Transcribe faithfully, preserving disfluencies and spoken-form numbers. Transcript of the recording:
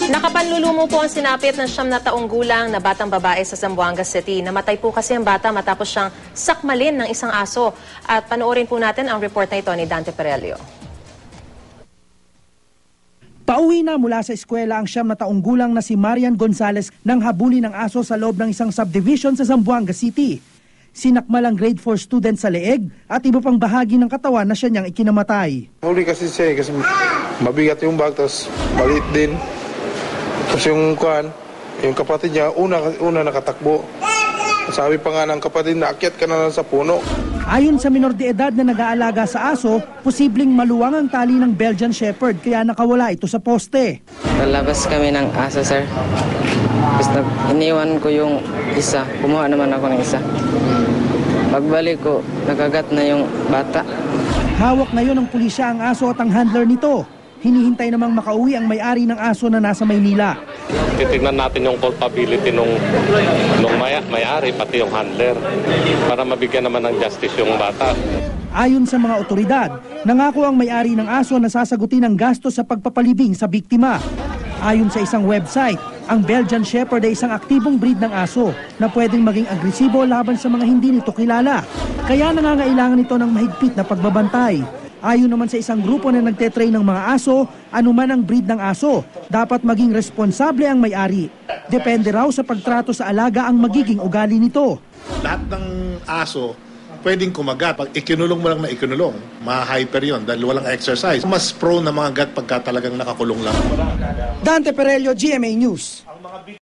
Nakapanlulumo po ang sinapit ng siyam na taong gulang na batang babae sa Zamboanga City. Namatay po kasi ang bata matapos siyang sakmalin ng isang aso. At panoorin po natin ang report na ito ni Dante Perelio. Pauwi na mula sa eskwela ang siyam na taong gulang na si Marian Gonzalez nang habulin ng aso sa loob ng isang subdivision sa Zamboanga City. Sinakmal ang grade four student sa leeg at iba pang bahagi ng katawan na siya niyang ikinamatay. Huli kasi siya kasi mabigat yung bag, tapos maliit din. Tapos yung kuhan, yung kapatid niya, una, una nakatakbo. Sabi pa nga ng kapatid, naakyat ka na lang sa puno. Ayon sa minor de edad na nag-aalaga sa aso, posibleng maluwang ang tali ng Belgian Shepherd kaya nakawala ito sa poste. Palabas kami ng aso, sir. Basta iniwan ko yung isa. Kumuha naman ako ng isa. Pagbalik ko, nakagat na yung bata. Hawak ngayon ng pulisya ang aso at ang handler nito. Hinihintay namang makauwi ang may-ari ng aso na nasa Maynila. Titignan natin yung culpability nung, nung may, may-ari, pati yung handler, para mabigyan naman ng justice yung bata. Ayon sa mga otoridad, nangako ang may-ari ng aso na sasagutin ang gastos sa pagpapalibing sa biktima. Ayon sa isang website, ang Belgian Shepherd ay isang aktibong breed ng aso na pwedeng maging agresibo laban sa mga hindi nito kilala. Kaya nangangailangan ito ng mahigpit na pagbabantay. Ayon naman sa isang grupo na nagtetrain ng mga aso, anuman ang breed ng aso, dapat maging responsable ang may-ari. Depende raw sa pagtrato sa alaga ang magiging ugali nito. Lahat ng aso pwedeng kumagat. Pag ikinulong mo lang na ikinulong, ma-hyper yun dahil walang exercise. Mas prone na mga gat pagka talagang nakakulong lang. Dante Perelio, G M A News.